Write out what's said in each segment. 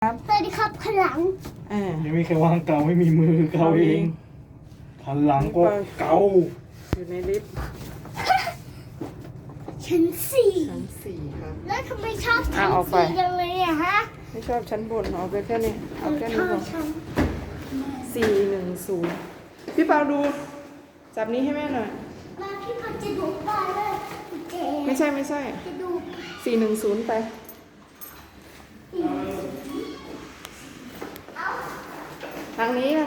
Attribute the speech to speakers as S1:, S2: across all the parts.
S1: ครับ
S2: สวัสดีครับพลัง
S3: ยังมีใครวางเกาไม่มีมือเกาเองหันหลังก็เกา
S1: อยู่ในลิฟต์
S2: ชั้นสี่
S1: ชั้น4ครับ
S2: แล้วทำไมชอบชั้น
S1: เอาไป
S2: สี่จังเลยอะฮะ
S1: ไม่ชอบชั้นบนเอาไปแค่นี้เอาแค่
S2: ช
S1: นี้
S2: อ
S1: พ
S2: บ
S1: อ
S2: ชั้น
S1: 410พี่เปาดูจับนี้ให้แม่หน่อย
S2: มาพี่พัดจะดูปลาเลยเจ๊
S1: ไม่ใช่
S2: จะดู
S1: 410ไปทางนี้เร็ว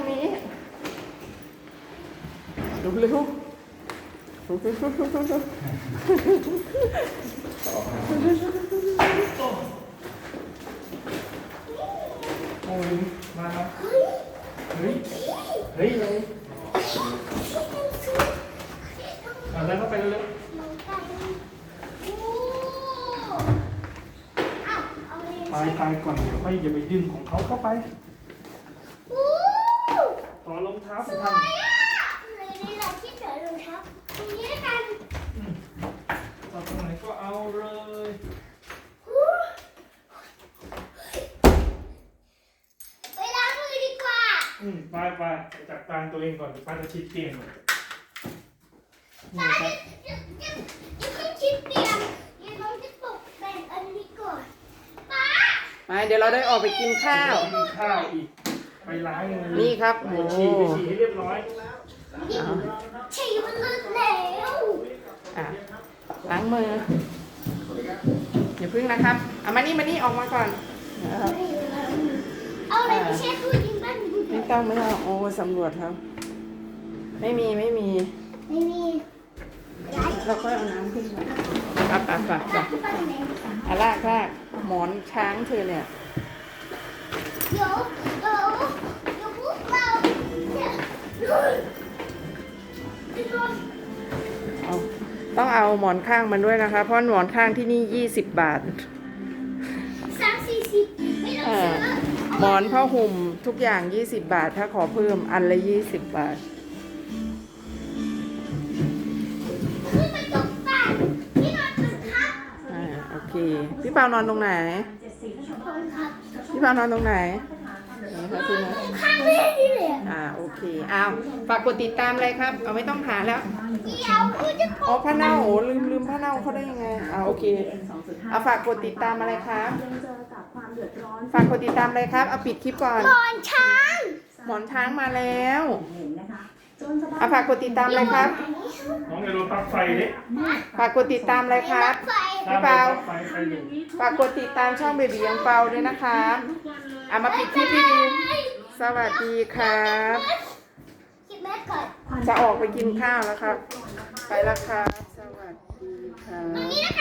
S3: โอ้ยมาแล้ว
S2: เฮ้ย
S3: เฮ้ยเฮ้ยเลยเอาแล้วเข้าไปเร็ว
S2: มองไปโอ้อ้าวเอาเลย
S3: ๆตายก่อนเดี๋ยวค่อยอย่าไปดึงของเขาเข้าไป
S2: โอ้
S3: ต่อรองเท้า
S2: ส
S3: ไป
S2: วย
S3: ทำ
S2: อ่ะเลยนี่แหละที่เจอรองเท้าตรงนี้แล้วกัน
S3: ต่อตรงไหนก็เอาเลย
S2: ไปล้างมือดีกว่า
S3: ไปจัดการตัวเองก่อนเดี๋ยวป้าจะชิดเตียงก่อน
S2: ป้าอย่าเพิ่งคิดเตรียมเดี๋ยวน้องจะตกแต่งอันนี้ก่อนป้า
S1: ไปเดี๋ยวเราได้ออกไปกินข้าว
S3: กินข้าวอีกไปล้างมือ
S1: นี่ครับ
S3: ไป
S1: โอ้
S3: ฉี่ให้เรียบร้อย
S2: ฉี่มันลึกแล้ว
S1: อ่ะล้างมืออย่าพึ่งนะครับเอามานี่ออกมาก่อนนะครับ
S2: เอาอะไรไปเช็ดตู้ยิงบ้านดู
S1: ไม่ต้องโอ้สำรวจครับ ไม่มี
S2: ไม่มีย้าย
S1: เราก็เอาน้ำขึ้นมาไป
S2: ที่บ้านไหน
S1: ลากหมอนช้างเธอเนี่ย
S2: เดี๋ยวพวกเราเนี่ย
S1: เอาต้องเอาหมอนข้างมันด้วยนะคะ เพราะหมอนข้างที่นี่20 บาท
S2: 340ไม่ต้องซื้อ
S1: หมอนผ้าห่มทุกอย่าง20 บาท ถ้าขอเพิ่มอันละ20 บาท
S2: ขึ้นมาตกปลาที่นอนตึกครับ
S1: โอเค พี่เปานอนตรงไหน
S2: คนครับ
S1: พี่เปานอนตรงไหนนี่ค่ะพี่นะ
S2: ข้างแม่นี่แหละ
S1: โอเคเอาฝากกดติดตามเลยครับ เอาไม่ต้องหาแล้ว
S2: เดี๋ยวคุณจะต
S1: อ๋อก ผ้าเน่าโอ้ลืมผ้าเน่าเขาได้ยังไงโอเคเอาฝากกดติดตามอะไรครับฝากกดติดตามอะไรครับเอาปิดคลิปก่อน
S2: นอนช้าง
S1: หมอนช้างมาแล้วเอาฝากกดติดตามอะไรครับ
S3: น้องอย่าโดนปลั๊กไฟเด้
S1: ฝากกดติดตามอะไรครับ
S2: ไฟ
S1: พี่เปา
S3: ปลั๊กไฟไปอยู่
S1: ฝากกดติดตามช่องเบบียังเปาด้วยนะครับเอามาปิดคลิปดีๆสวัสดีครับ
S2: คิดแม่ก่อน
S1: จะออกไปกินข้าวแล้วครับ ไปแล้วครับสวัสดีครับ